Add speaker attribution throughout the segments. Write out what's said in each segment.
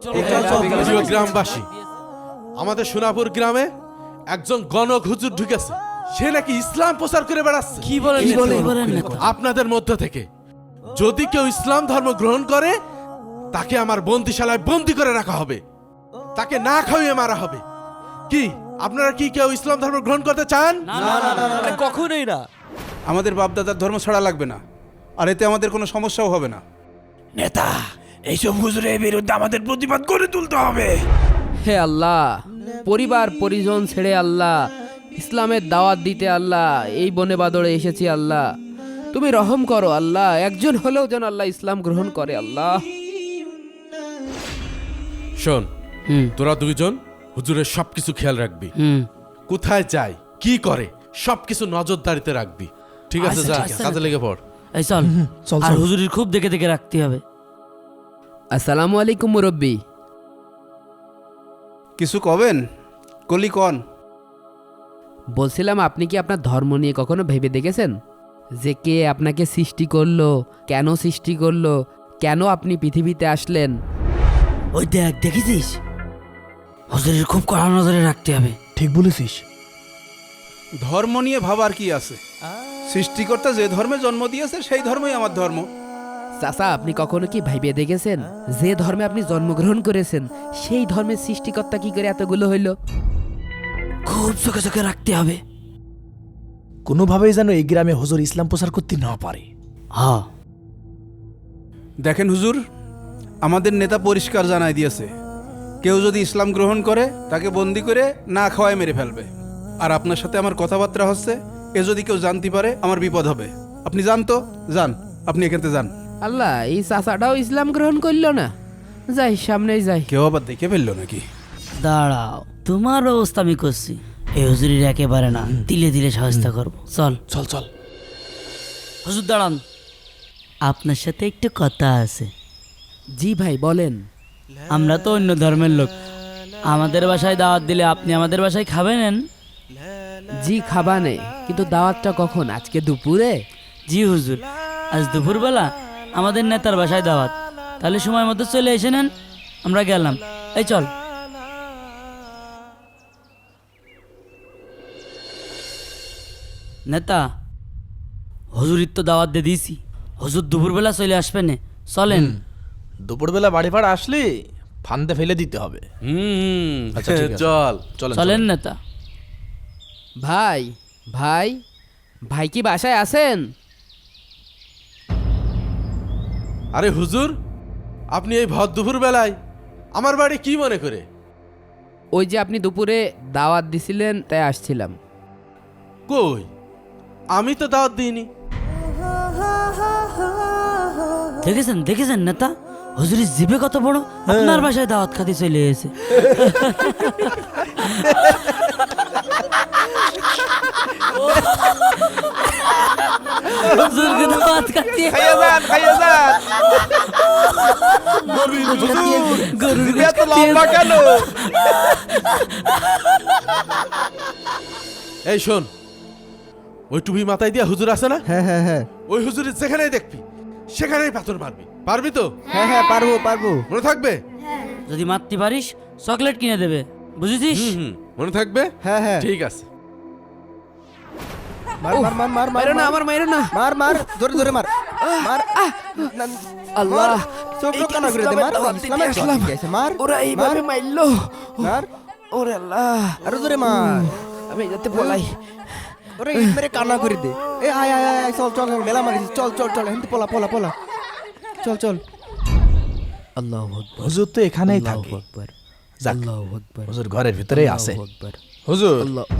Speaker 1: প্রিয় গ্রামবাসী, আমাদের সোনাপুর গ্রামে একজন গণক হুজুর ঢুকেছে। সে নাকি ইসলাম প্রচার করে বেড়াচ্ছে।
Speaker 2: কি বলেন?
Speaker 1: আপনাদের মধ্য থেকে যদি কেউ ইসলাম ধর্ম গ্রহণ করে তাকে আমার বন্দিশালায় বন্দি করে রাখা হবে, তাকে না খাইয়ে মারা হবে। কি আপনারা কি কেউ ইসলাম ধর্ম গ্রহণ করতে চান?
Speaker 2: না, কখনোই না।
Speaker 3: আমাদের বাপদাদার ধর্ম ছাড়া লাগবে না, আর এতে আমাদের কোনো সমস্যাও হবে না।
Speaker 4: নেতা, এইসব হুজুরের বিরুদ্ধে আমাদের প্রতিবাদ করে তুলতে হবে।
Speaker 5: হে আল্লাহ, পরিবার পরিজন ছেড়ে আল্লাহ ইসলামের দাওয়াত দিতে আল্লাহ এই বনে বাদরে এসেছি। আল্লাহ তুমি রহম করো আল্লাহ, একজন হলেও যেন আল্লাহ ইসলাম গ্রহণ করে। আল্লাহ
Speaker 1: শোন, তোরা দুইজন হুজুরের সবকিছু খেয়াল রাখবি। কোথায় যায়, কি করে, সবকিছু নজরদারিতে রাখবি। ঠিক আছে, যা কাজে লেগে পড়।
Speaker 2: এই চল, আর হুজুরের খুব দেখে দেখে রাখতে হবে।
Speaker 5: আসসালামু আলাইকুম মুরব্বী।
Speaker 3: কিছু কবেন? কলি কন।
Speaker 5: বলছিলাম, আপনি কি আপনার ধর্ম নিয়ে কখনো ভেবে দেখেছেন যে কে আপনাকে সৃষ্টি করলো, কেন সৃষ্টি করলো, কেন আপনি পৃথিবীতে আসলেন?
Speaker 2: ওই দেখেছিস, হুজুরের খুব কড়া নজরে রাখতে হবে।
Speaker 4: ঠিক বলেছিস।
Speaker 3: ধর্ম নিয়ে ভাবার কি আছে? সৃষ্টিকর্তা যে ধর্মে জন্ম দিয়েছে সেই ধর্মই আমার ধর্ম।
Speaker 5: চাচা, আপনি কখনো কি ভাইবে দেখেছেন যে ধর্মে আপনি জন্মগ্রহণ করেছেন সেই ধর্মের সৃষ্টিকর্তা কি করে এতগুলো হইল?
Speaker 2: খুব চোখে চোখে রাখতে হবে।
Speaker 4: কোনোভাবেই যেন এই গ্রামে হুজুর ইসলাম প্রচার করতে না পারে।
Speaker 2: হ্যাঁ,
Speaker 3: দেখেন হুজুর, আমাদের নেতা পরিষ্কার জানাই দিয়েছে, কেউ যদি ইসলাম গ্রহণ করে তাকে বন্দি করে না খাওয়ায় মেরে ফেলবে। আর আপনার সাথে আমার কথাবার্তা হচ্ছে, এ যদি কেউ জানতে পারে আমার বিপদ হবে। আপনি যান তো, যান, আপনি এখান থেকে যান।
Speaker 5: আল্লাহ, এই চাচাটাও ইসলাম গ্রহণ করলো না। যাই, সামনেই যাই।
Speaker 3: কেউ আবার দেখে ফেললো নাকি?
Speaker 2: দাঁড়াও, তোমার ব্যবস্থা আমি করছি। এই হুজুরের একেবারে না, দিলে দিলে সহায়তা করবো। চল
Speaker 4: চল চল।
Speaker 2: হুজুর দাঁড়ান, আপনার সাথে একটু কথা আছে।
Speaker 5: জি ভাই, বলেন।
Speaker 2: আমরা তো অন্য ধর্মের লোক, আমাদের বাসায় দাওয়াত দিলে আপনি আমাদের বাসায় খাবেন?
Speaker 5: জি খাবানে, কিন্তু দাওয়াতটা কখন? আজকে দুপুরে?
Speaker 2: জি হুজুর, আজ দুপুরবেলা আমাদের নেতার বাসায় দাওয়াত। তাহলে সময় মতো চলে এসে নেন, আমরা গেলাম। এই চল। নেতা, হুজুরির তো দাওয়াত দিয়ে দিয়েছি, হুজুর দুপুরবেলা চলে আসবেন। চলেন।
Speaker 4: দুপুরবেলা বাড়ি ভাড়া আসলে ফান্দে ফেলে দিতে হবে। আচ্ছা, ঠিক আছে।
Speaker 1: চল।
Speaker 2: চলেন নেতা।
Speaker 5: ভাই ভাই ভাই কি বাসায় আছেন?
Speaker 1: আরে হুজুর, আপনি এই ভর দুপুর বেলায় আমার বাড়ি কি মনে করে?
Speaker 5: ওই যে আপনি দুপুরে দাওয়াত দিছিলেন, তাই আসছিলাম।
Speaker 1: কই, আমি তো দাওয়াত দিইনি।
Speaker 2: দেখেছেন নেতা, হুজুরের জিভে কত বড়, আপনার বাসায় দাওয়াত খাতে চলে এসেছে। হুজুরকে দাওয়াত খাতে
Speaker 3: কেন?
Speaker 1: এই শোন, ওই টুপি মাথায় দিয়া হুজুর আছে না?
Speaker 6: হ্যাঁ,
Speaker 1: ওই হুজুরের যেখানেই দেখবি সেখানেই পাথর মারবি। পারবি তো?
Speaker 6: হ্যাঁ, পারবো।
Speaker 1: মনে থাকবে?
Speaker 2: যদি মারতে পারিস চকলেট কিনে দেবে, বুঝেছিস?
Speaker 1: মনে থাকবে?
Speaker 6: হ্যাঁ।
Speaker 1: ঠিক আছে।
Speaker 6: মার,
Speaker 5: মাইরো না, আমার মাইরো না।
Speaker 6: মার, জোরে মার।
Speaker 5: আল্লাহ,
Speaker 6: চোখ কানা করে দে, মার। ইসলামের দাওয়াত দিয়েছে, মার।
Speaker 5: ওরা এইভাবে মারলো।
Speaker 6: মার,
Speaker 5: ওরে আল্লাহ,
Speaker 6: আরো জোরে মার।
Speaker 5: আমি যাতে বলাই।
Speaker 6: ওরে ইট মেরে কানা করে দে। এ আয়, চল, মেলা মারিস। চল, হেন্তি পোলা। চল।
Speaker 5: আল্লাহু আকবার।
Speaker 4: হুজুর তো এখানেই থাকে।
Speaker 5: আল্লাহু আকবার।
Speaker 4: যাক,
Speaker 5: আল্লাহু আকবার।
Speaker 4: হুজুর ঘরের ভিতরেই আছে।
Speaker 5: আল্লাহু আকবার।
Speaker 4: হুজুর,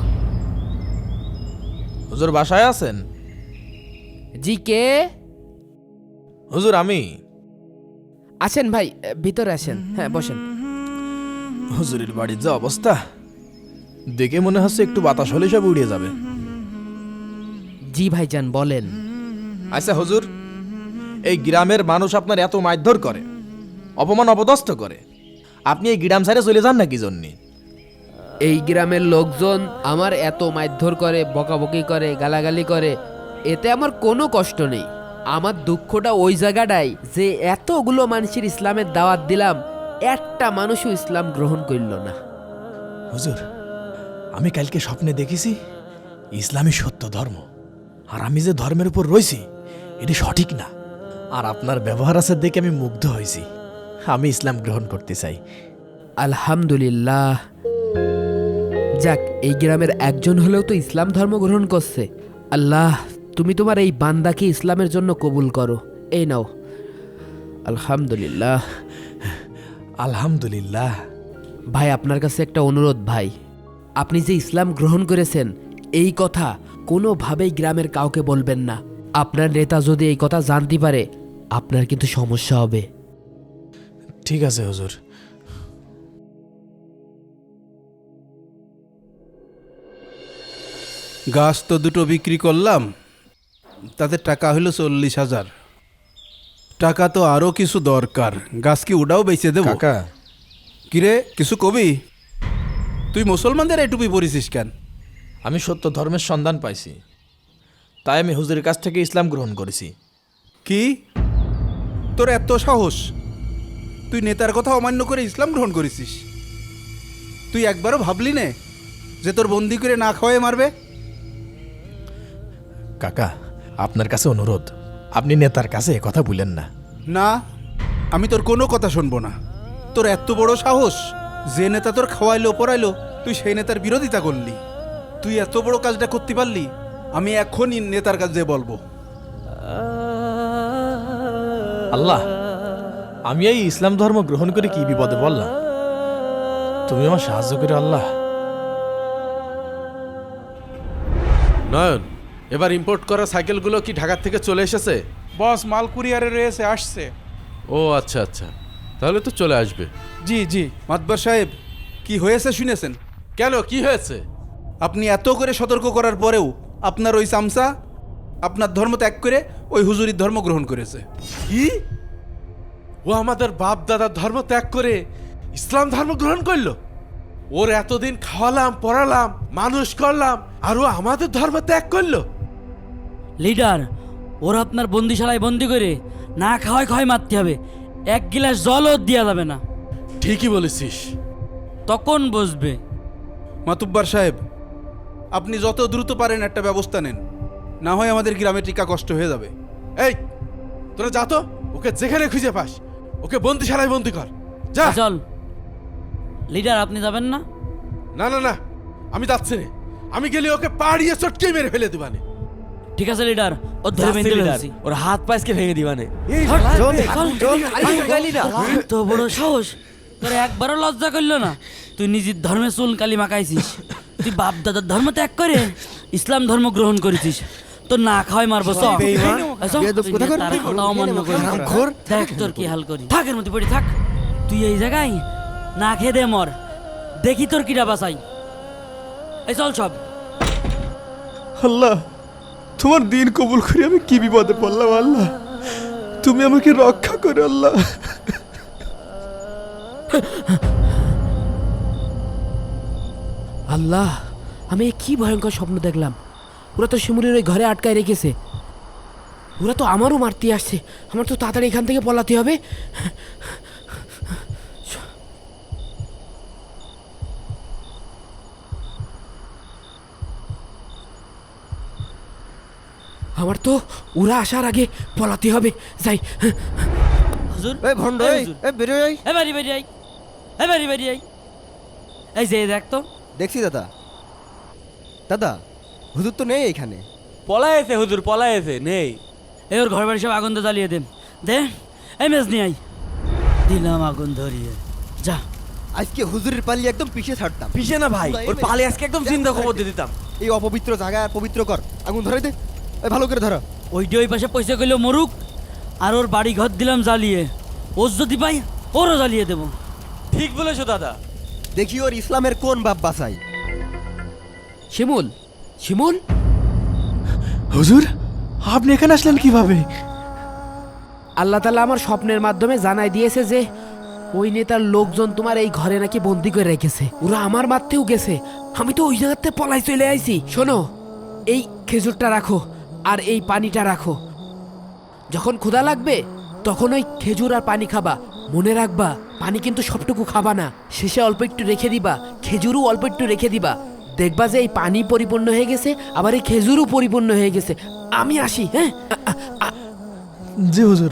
Speaker 5: আল্লাহ।
Speaker 4: বাসায় আছেন?
Speaker 5: জি, কে?
Speaker 4: হুজুর আমি।
Speaker 5: আসেন ভাই, ভিতরে আসেন। হ্যাঁ, বসেন।
Speaker 4: হুজুরের বাড়ির যা অবস্থা দেখে মনে হচ্ছে একটু বাতাস হলে সব উড়িয়ে যাবে।
Speaker 5: জি ভাইজান, বলেন।
Speaker 4: আচ্ছা হুজুর, এই গ্রামের মানুষ আপনার এত মারধর করে, অপমান অপদস্থ করে, আপনি এই গ্রাম ছেড়ে চলে যান না কি জন্যে?
Speaker 5: এই গ্রামের লোকজন আমার এত মারধর করে, বকাবকি করে, গালাগালি করে, এতে আমার কোনো কষ্ট নেই। আমার দুঃখটা ওই জায়গাটাই যে এতগুলো মানুষের ইসলামের দাওয়াত দিলাম, একটা মানুষও ইসলাম গ্রহণ করল না।
Speaker 4: হুজুর, আমি কালকে স্বপ্নে দেখেছি ইসলামই সত্য ধর্ম, আর আমি যে ধর্মের উপর রয়েছি এটি সঠিক না। আর আপনার ব্যবহার আছে দেখে আমি মুগ্ধ হয়েছি। আমি ইসলাম গ্রহণ করতে চাই।
Speaker 5: আলহামদুলিল্লাহ, যাক এই গ্রামের একজন হলেও তো ইসলাম ধর্ম গ্রহণ করছে। আল্লাহ, তুমি তোমার এই বান্দাকে ইসলামের জন্য কবুল করো। এই নাও। আলহামদুলিল্লাহ।
Speaker 4: আলহামদুলিল্লাহ।
Speaker 5: ভাই, আপনার কাছে একটা অনুরোধ ভাই, আপনি যে ইসলাম গ্রহণ করেছেন এই কথা কোনোভাবেই গ্রামের কাউকে বলবেন না। আপনার নেতা যদি এই কথা জানতে পারে আপনার কিন্তু সমস্যা হবে।
Speaker 4: ঠিক আছে হুজুর।
Speaker 3: গাছ তো দুটো বিক্রি করলাম, তাতে টাকা হলো 40,000। টাকা তো আরো কিছু দরকার, গাছ কি ওটাও বেচে দেবো?
Speaker 4: কাকা,
Speaker 3: কিরে, কিছু কবি? তুই মুসলমানদের এই টুপি পরিছিস কেন?
Speaker 4: আমি সত্য ধর্মের সন্ধান পাইছি, তাই আমি হুজুরের কাছ থেকে ইসলাম গ্রহণ করেছি।
Speaker 3: কি তোর এত সাহস? তুই নেতার কথা অমান্য করে ইসলাম গ্রহণ করেছিস? তুই একবারও ভাবলি নে যে তোর বন্দি করে না খাওয়াই মারবে?
Speaker 4: কাকা, আপনার কাছে অনুরোধ, আপনি নেতার কাছে এ কথা বলেন না।
Speaker 3: না, আমি তোর কোনো কথা শুনবো না। তোর এত বড় সাহস, যে নেতা তোর খাওয়াইলো পড়াইলো তুই সেই নেতার বিরোধিতা করলি। তুই এত বড় কাজটা করতে পারলি? আমি এখনই নেতার কাছে বলবো।
Speaker 4: আল্লাহ, আমি এই ইসলাম ধর্ম গ্রহণ করে কি বিপদে বললাম, তুমি আমার সাহায্য করে আল্লাহ।
Speaker 1: নয়ন, এবার ইম্পোর্ট করা সাইকেলগুলো কি ঢাকার থেকে চলে এসেছে?
Speaker 3: বস, মাল কুরিয়ারে রয়েছে, আসছে।
Speaker 1: ও আচ্ছা আচ্ছা, তাহলে তো চলে আসবে।
Speaker 3: জি জি। মাতবার সাহেব, কি হয়েছে শুনেছেন?
Speaker 1: কেন, কি হয়েছে?
Speaker 3: আপনি এত করে সতর্ক করার পরেও আপনার ওই চামচা আপনার ধর্ম ত্যাগ করে ওই হুজুরির ধর্ম গ্রহণ করেছে।
Speaker 1: কি? ও আমাদের বাপ দাদার ধর্ম ত্যাগ করে ইসলাম ধর্ম গ্রহণ করলো? ওর এতদিন খাওয়ালাম পড়ালাম মানুষ করলাম, আর ও আমাদের ধর্ম ত্যাগ করলো?
Speaker 2: লিডার, ওরা আপনার বন্দিশালায় বন্দি করে না খাওয়ায় খাওয়াই মারতে হবে, এক গিলাস জলও দেওয়া যাবে না।
Speaker 1: ঠিকই বলেছিস।
Speaker 2: তখন বসবে।
Speaker 3: মাতুব্বার সাহেব, আপনি যত দ্রুত পারেন একটা ব্যবস্থা নেন, না হয় আমাদের গ্রামে টিকা কষ্ট হয়ে যাবে।
Speaker 1: এই, তোরা যা তো, ওকে যেখানে খুঁজে পাস ওকে বন্দিশালায় বন্দি কর, যা।
Speaker 2: চল লিডার, আপনি যাবেন না?
Speaker 1: না না না, আমি যাচ্ছি না। আমি গেলে ওকে পাড়িয়ে চটকে মেরে ফেলে দিবানে।
Speaker 2: ঠিক আছে লিডার, ও ধরে বেঁধে ফেলছি।
Speaker 6: ওর হাত পায়েসকে ভেঙে দিবানে।
Speaker 2: তো বড় সাহস, তোর একবারও লজ্জা করলো না? তুই নিজের ধর্মে চুল কালি মাখাইছিস, তুই বাপ দাদার ধর্ম ত্যাগ করে ইসলাম ধর্ম গ্রহণ করেছিস, তো না খাওয়াই মারবো। দেখ তোর কি হাল করি। থাকের মধ্যে পড়ে থাক, তুই এই জায়গায় না খেয়ে দে মর, দেখি তোর কিটা বাঁচাই। এই চল সব।
Speaker 6: আল্লাহ, তোমার দিন কবুল করে আমি কি বিপদে পড়লাম আল্লাহ, তুমি আমাকে রক্ষা করো আল্লাহ।
Speaker 5: আল্লাহ, আমি এ কি ভয়ঙ্কর স্বপ্ন দেখলাম। ওরা তো শিমুলের ওই ঘরে আটকায় রেখেছে, ওরা তো আমারও মারতে আসছে। আমার তো তাড়াতাড়ি এখান থেকে পলাতে হবে। আমার তো ওরা আসার আগে পলাতে হবে। যাই।
Speaker 2: হুজুর,
Speaker 6: এই ভন্ড,
Speaker 2: এই
Speaker 6: এই
Speaker 2: হুজুর,
Speaker 6: এই বেরো এই।
Speaker 2: এই বাড়ি বাড়ি আই, এই বাড়ি বাড়ি আই। এই যে দেখ তো।
Speaker 6: দেখছি দাদা। দাদা, হুজুর তো নেই এখানে।
Speaker 7: পলায়েছে হুজুর, পলায়েছে, নেই।
Speaker 2: এই ওর ঘর বাড়ি সব আগুন জ্বালিয়ে দে। দে, এই মেজ নিয়ে আই। দিলাম আগুন ধরিয়ে। যা।
Speaker 6: আজকে হুজুরের পাল্লি একদম পিছিয়ে ছাড়তাম।
Speaker 7: পিছে না ভাই, ওর পালে আজকে একদম চিন্তা খবর দিয়ে দিতাম।
Speaker 6: এই অপবিত্র জায়গা পবিত্র কর, আগুন ধরে দে। এই ভালো করে ধরো।
Speaker 2: ওইটা ওই পাশে পয়সা কইলো মরুক, আর ওর বাড়ি ঘর দিলাম জ্বালিয়ে। ওর যদি পাই ওরও জ্বালিয়ে দেবো।
Speaker 7: ঠিক বলেছো দাদা।
Speaker 6: দেখি ওর ইসলামের কোন বাপ বাসাই।
Speaker 5: শিমুল, শিমুল,
Speaker 4: হুজুর, আপনি এখানে আসলেন কিভাবে?
Speaker 5: আল্লাহ তাআলা আমার স্বপ্নের মাধ্যমে জানাই দিয়েছে যে ওই নেতার লোকজন তোমার এই ঘরে নাকি বন্দি করে রেখেছে। ওরা আমার মারতেও গেছে, আমি তো ওই জায়গাতে পলাই চলে আইছি। শোনো, এই খেজুরটা রাখো আর এই পানিটা রাখো। যখন ক্ষুধা লাগবে তখন ওই খেজুর আর পানি খাবা, মনে রাখবা পানি কিন্তু সবটুকু খাবা না, শেষে অল্প একটু রেখে দিবা, খেজুরও অল্প একটু রেখে দিবা। দেখবা যে এই পানি পরিপূর্ণ হয়ে গেছে, আবার এই খেজুরও পরিপূর্ণ হয়ে গেছে। আমি আসি, হ্যাঁ?
Speaker 4: জি হুজুর।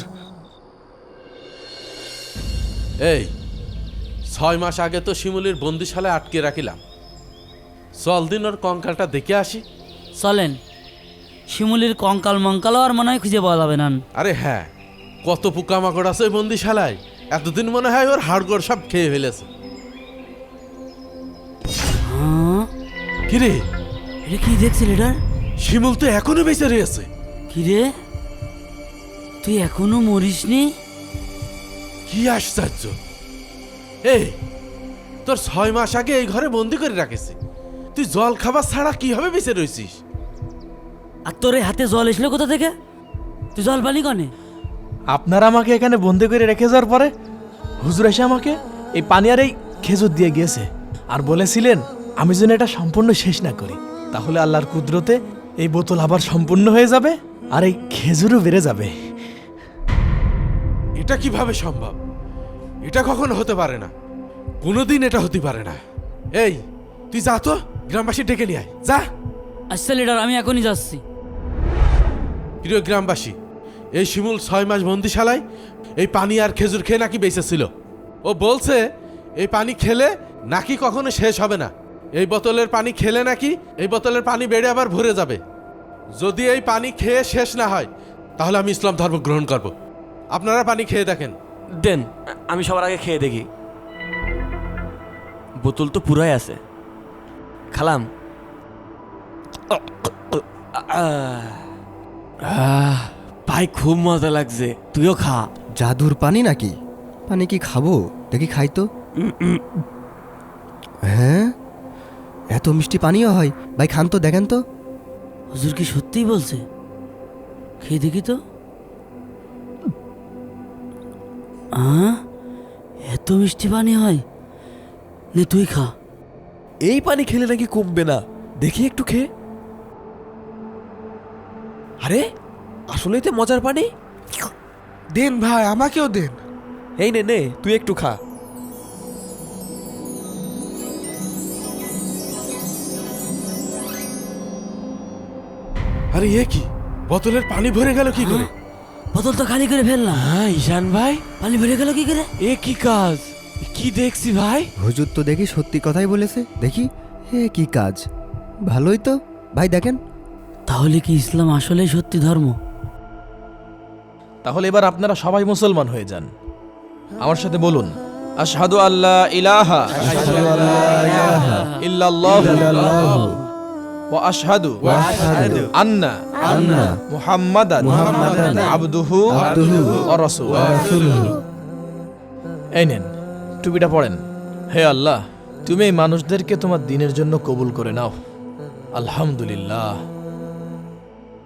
Speaker 1: এই 6 মাস আগে তো শিমুলির বন্দিশালায় আটকে রাখিলাম, চল দিন ওর কঙ্কালটা দেখে আসি।
Speaker 2: চলেন, শিমুলির কঙ্কাল মঙ্কালও আর মনে হয় খুঁজে পাওয়া যাবে না।
Speaker 1: আরে হ্যাঁ, কত পোকামাকড় আছে ওই বন্দিশালায়, এতদিন মনে হয় ওর হাড়গোড় সব খেয়ে ফেলেছে।
Speaker 2: হ্যাঁ,
Speaker 1: কিরে,
Speaker 2: এটা কি দেখছি লিডার?
Speaker 1: শিমুল তো এখনো বেঁচে রয়েছে।
Speaker 2: কিরে, তুই এখনো মরিসনি?
Speaker 1: কি আশ্চর্য! এই তোর 6 মাস আগে এই ঘরে বন্দি করে রাখেছি, তুই জল খাবার ছাড়া কিভাবে বেঁচে রয়েছিস?
Speaker 2: আর তোর এই হাতে জল এসলো কোথা থেকে? তুই জল পালি কনে?
Speaker 4: আপনারা আমাকে এখানে বন্দি করে রেখে যাওয়ার পরে হুজুর এসে আমাকে এই পানি আর এই খেজুর দিয়ে গিয়েছে, আর বলেছিলেন আমি যেন এটা সম্পূর্ণ শেষ না করি, তাহলে আল্লাহর কুদরতে এই বোতল আবার সম্পূর্ণ হয়ে যাবে আর এই খেজুরও বেড়ে যাবে।
Speaker 1: এটা কিভাবে সম্ভব? এটা কখনো হতে পারে না, কোনোদিন এটা হতে পারে না। এই তুই যা তো, গ্রামবাসী ডেকে নিয়ে আয়, যা।
Speaker 2: আচ্ছা লিডার, আমি এখনই যাচ্ছি।
Speaker 1: প্রিয় গ্রামবাসী, এই শিমুল 6 মাস বন্দিশালায় এই পানি আর খেজুর খেয়ে নাকি বেঁচে ছিল। ও বলছে এই পানি খেলে নাকি কখনো শেষ হবে না, এই বোতলের পানি খেলে নাকি এই বোতলের পানি বেড়ে আবার ভরে যাবে। যদি এই পানি খেয়ে শেষ না হয় তাহলে আমি ইসলাম ধর্ম গ্রহণ করব। আপনারা পানি খেয়ে দেখেন।
Speaker 7: দেন, আমি সবার আগে খেয়ে দেখি। বোতল তো পুরাই আছে। খালাম। ভাই খুব মজা লাগছে, তুইও খা।
Speaker 8: জাদুর পানি নাকি? পানি কি খাবো? দেখি খাই তো। হ্যাঁ, এত মিষ্টি পানিও হয়? ভাই খান তো, দেখেন তো।
Speaker 2: হুজুর কি সত্যিই বলছে? খেয়ে দেখি তো। এত মিষ্টি পানি হয়? নে তুই খা।
Speaker 7: এই পানি খেলে নাকি কমবে না, দেখি একটু খেয়ে। আরে আসলেই তো মজার পানি।
Speaker 6: দেন ভাই, আমাকেও দেন।
Speaker 7: এই নে নে, তুই একটু খা।
Speaker 1: আরে এ কি, বোতলের পানি ভরে গেল কি করে?
Speaker 2: বোতল তো খালি করে ফেললাম,
Speaker 7: হ্যাঁ ঈশান ভাই,
Speaker 2: পানি ভরে গেল কি করে?
Speaker 7: এ কি কাজ, কি দেখছি ভাই?
Speaker 8: হুজুর তো দেখি সত্যি কথাই বলেছে। দেখি এ কি কাজ, ভালোই তো। ভাই দেখেন।
Speaker 2: তাহলে কি ইসলাম আসলেই সত্যি ধর্ম?
Speaker 4: তাহলে এবার আপনারা সবাই মুসলমান হয়ে যান। আমার সাথে বলুন, আশহাদু আল্লা ইলাহা ইল্লাল্লাহু ওয়া আশহাদু আন্না মুহাম্মাদান আবদুহু ওয়া রাসূলুহু। এই নেন, টুপিটা পড়েন। হে আল্লাহ, তুমি এই মানুষদেরকে তোমার দ্বীনের জন্য কবুল করে নাও। আলহামদুলিল্লাহ।